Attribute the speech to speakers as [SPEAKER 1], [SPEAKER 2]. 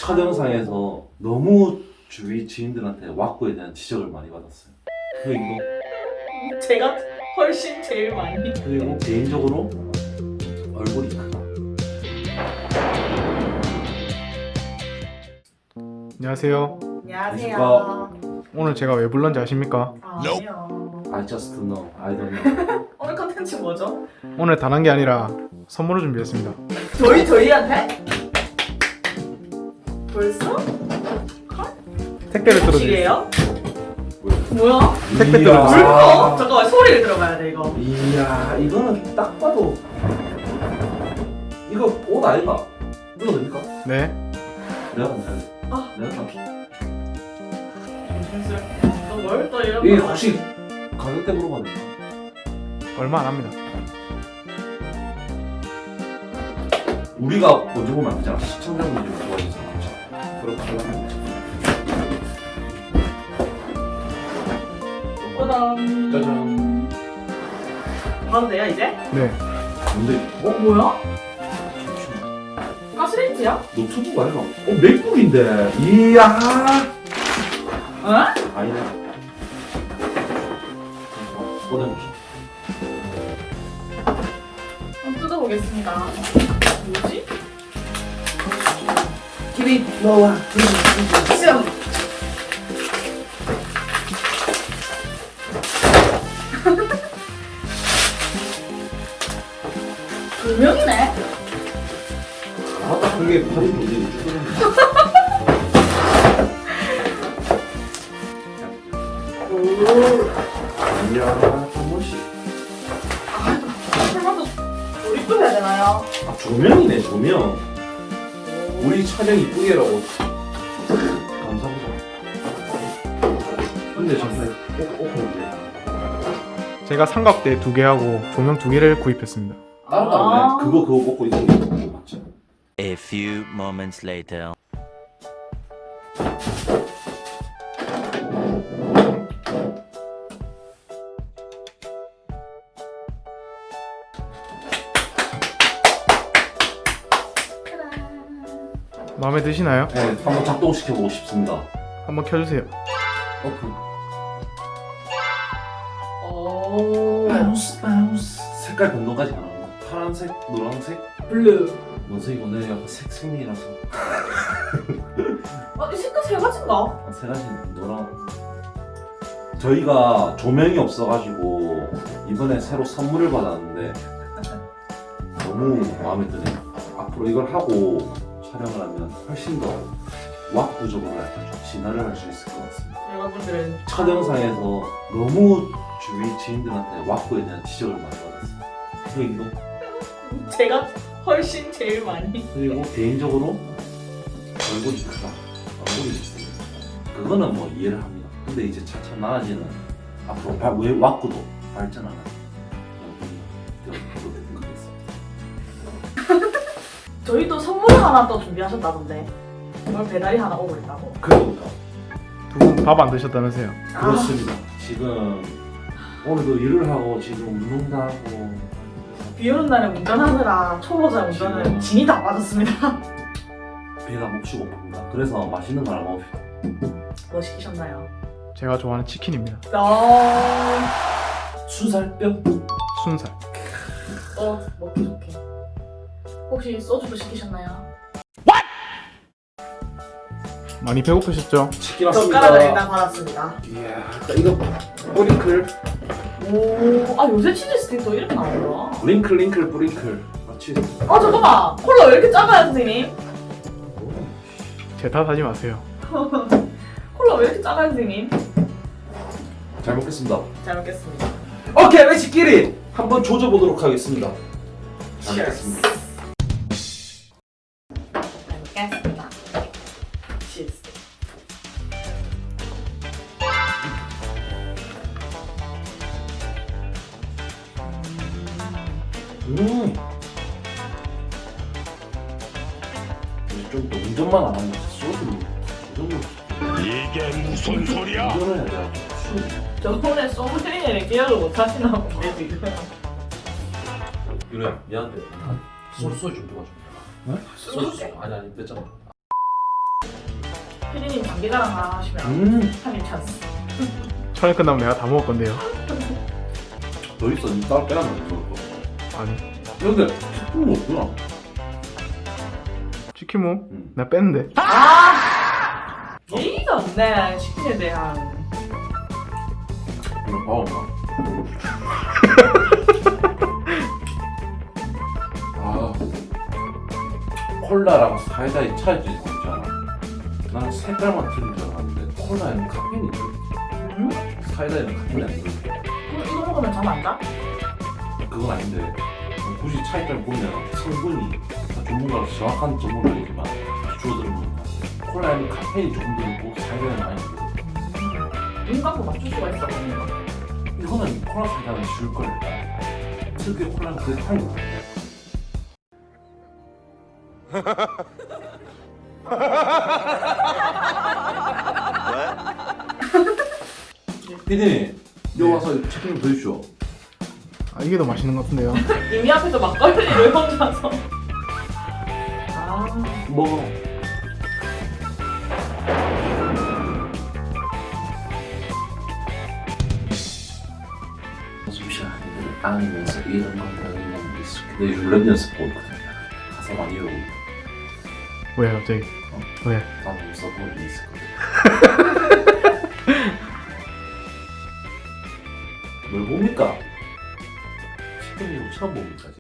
[SPEAKER 1] 첫 영상에서 너무 주위 지인들한테 왁구에 대한 지적을 많이 받았어요. 그리고
[SPEAKER 2] 제가 훨씬 제일 많이.
[SPEAKER 1] 그리고 개인적으로 얼굴이 크다.
[SPEAKER 3] 안녕하세요.
[SPEAKER 2] 안녕하세요.
[SPEAKER 3] 오늘 제가 왜 불렀는지 아십니까?
[SPEAKER 2] 아니요.
[SPEAKER 1] I just know, I don't know.
[SPEAKER 2] 오늘 컨텐츠 뭐죠?
[SPEAKER 3] 오늘 단 한 게 아니라 선물을 준비했습니다.
[SPEAKER 2] 저희한테? 벌써?
[SPEAKER 3] 택배를 뚫어드릴게요.
[SPEAKER 2] 시계예요? 뭐야?
[SPEAKER 3] 택배
[SPEAKER 1] 이야.
[SPEAKER 3] 뚫어주세요.
[SPEAKER 2] 물컵? 잠깐만 소리를 들어봐야 돼 이거.
[SPEAKER 1] 이야, 이거는 딱 봐도 이거 옷 아이가? 이거 됩니까?
[SPEAKER 3] 네.
[SPEAKER 1] 내가 간다.
[SPEAKER 2] 아.
[SPEAKER 1] 내가 간다.
[SPEAKER 2] 너뭘또 이런
[SPEAKER 1] 이게
[SPEAKER 2] 거
[SPEAKER 1] 혹시 가격대 물어봐도 됩니까?
[SPEAKER 3] 얼마 안 합니다.
[SPEAKER 1] 우리가 먼저 보면 안 되잖아. 시청자분들이 좋아해서 그렇죠. 그렇게 하려면
[SPEAKER 2] 짜잔.
[SPEAKER 1] 짜잔.
[SPEAKER 2] 봐도 돼요 이제?
[SPEAKER 3] 네.
[SPEAKER 1] 근데
[SPEAKER 2] 뭐야? 가스레인지야?
[SPEAKER 1] 노트북 아니가? 맥북인데. 이야.
[SPEAKER 2] 어?
[SPEAKER 1] 아니네. 꺼내보시죠.
[SPEAKER 2] 한번 뜯어보겠습니다. 뭐지? 기린 너와 시험. 두 명이네.
[SPEAKER 1] 아딱 그게 팔이 문제고 이야, 조모씨.
[SPEAKER 2] 설마도 우리 또 해야 되나요?
[SPEAKER 1] 아, 조명이네, 조명. 우리 촬영 이쁘게 해라고. 감사합니다. 근데 정말 꼭
[SPEAKER 3] 제가 삼각대 2개 하고 조명 2개를 구입했습니다.
[SPEAKER 1] 다른 거 없네. 그거 먹고 이거 먹고 맞죠?
[SPEAKER 4] A few moments later.
[SPEAKER 3] 마음에 드시나요?
[SPEAKER 1] 네, 한번 작동시켜보고 싶습니다.
[SPEAKER 3] 한번 켜주세요.
[SPEAKER 1] 오픈.
[SPEAKER 2] 오.
[SPEAKER 1] 바운스. 색깔 변동까지 가능합니다. 파란색, 노란색,
[SPEAKER 2] 블루.
[SPEAKER 1] 뭔 색이고 내 약간 색색이라서
[SPEAKER 2] 이 색깔 세 가지인가?
[SPEAKER 1] 세 가지 노란. 저희가 조명이 없어가지고 이번에 새로 선물을 받았는데 너무 마음에 드네요. 앞으로 이걸 하고 촬영을 하면 훨씬 더 왁구적으로 약간 좀 진화를 할 수 있을 것 같습니다.
[SPEAKER 2] 여러분들은
[SPEAKER 1] 첫 영상에서 너무 주위 지인들한테 왁구에 대한 지적을 많이 받았어요. 그리고
[SPEAKER 2] 제가 훨씬 제일 많이.
[SPEAKER 1] 그리고 개인적으로 얼굴이 크다. 얼굴이 있습니다. 그거는 뭐 이해를 합니다. 근데 이제 차차 나아지는 앞으로 왜 왁구도 발전하는 여러분이 되었습니다.
[SPEAKER 2] 저희 또 선물을 하나 또 준비하셨다던데. 오늘 배달이 하나 오고 있다고.
[SPEAKER 1] 그러니까
[SPEAKER 3] 두 분 밥 안 드셨다면서요?
[SPEAKER 1] 그렇습니다. 지금 오늘도 일을 하고 지금 운동도 하고
[SPEAKER 2] 비 오는 날에 운전하느라 초보자 운전은 진이 다 빠졌습니다.
[SPEAKER 1] 배가 몹시 고픕니다. 그래서 맛있는 거 하나 먹읍시다.
[SPEAKER 2] 뭐 시키셨나요?
[SPEAKER 3] 제가 좋아하는 치킨입니다.
[SPEAKER 1] 순살뼈?
[SPEAKER 3] 순살.
[SPEAKER 2] 먹기 좋게. 혹시 소주도 시키셨나요?
[SPEAKER 3] 많이 배고프셨죠?
[SPEAKER 1] 치킨
[SPEAKER 2] 젓가락을
[SPEAKER 1] 왔습니다.
[SPEAKER 2] 일단 받았습니다.
[SPEAKER 1] 이야, 이거 뿌링클.
[SPEAKER 2] 오, 요새 치즈 스틱도 이렇게 나오더라.
[SPEAKER 1] 링클 뿌링클. 맞지?
[SPEAKER 2] 잠깐만. 콜라 왜 이렇게 작아요, 선생님?
[SPEAKER 3] 제 탓하지 마세요.
[SPEAKER 2] 콜라 왜 이렇게 작아요, 선생님?
[SPEAKER 1] 잘 먹겠습니다.
[SPEAKER 2] 잘 먹겠습니다.
[SPEAKER 1] 오케이, 매치끼리 한번 조져보도록 하겠습니다. 잘 먹겠습니다.
[SPEAKER 2] 잘 먹겠습니다. 치즈.
[SPEAKER 1] 이제 좀 더 운전만 안 하면 소주 운전을
[SPEAKER 4] 이게 무슨 소리야?
[SPEAKER 1] 운전을 해야 돼. 술.
[SPEAKER 2] 저번에 소믈리에를 기억을 못 하시나 본데 지금.
[SPEAKER 1] 유래야 미안한데 소주 좀 도와줘.
[SPEAKER 2] 소주?
[SPEAKER 1] 아니 뺐잖아.
[SPEAKER 2] 피디님 장기자랑 하나 하시면 한입 찬스.
[SPEAKER 3] 촬영 끝나면 내가 다 먹을 건데요.
[SPEAKER 1] 더 있어. 니 따로 빼놨는데 그럴 거.
[SPEAKER 3] 아니
[SPEAKER 1] 근데 치킨 없구나.
[SPEAKER 3] 치킨 뭐?
[SPEAKER 1] 응.
[SPEAKER 3] 내가 뺐는데.
[SPEAKER 2] 아! 예의가 없네, 치킨에 대한.
[SPEAKER 1] 이거 봐 엄마. 아 콜라랑 사이다의 차이지 있잖아. 나는 색깔만 틀린 줄 알았는데 콜라에는 카페인이 들어. 사이다에는 카페인이 안 들어.
[SPEAKER 2] 그럼 이거 먹으면 잠 안 자?
[SPEAKER 1] 그건 아닌데 굳이 차이점을 보면 성분이 전문가로서 정확한 정보는 아니지만 줄어드는 건 콜라에는 카페인이 조금 들고 사이다에는 많이 들고
[SPEAKER 2] 눈감고 맞출 수가 있어, 그러면.
[SPEAKER 1] 이거는 콜라 사이다는 쉬울 거야. 특유의 콜라는 그게 타는 거야. 피디님 여기 와서 치킨 좀 더 주시오.
[SPEAKER 3] 아 이게 더 맛있는 것 같은데요.
[SPEAKER 2] 이미 앞에서 막걸리를 혼자서. 아,
[SPEAKER 1] 먹어. 잠시만 아니면서 이런 건데 있어. 근데 랩 연습 보거든. 가사 많이 외우고
[SPEAKER 3] 왜 갑자기? 왜?
[SPEAKER 1] 나는 써보는 게 있을 거든. 뭘 봅니까? 치킨이 처음 봅니까?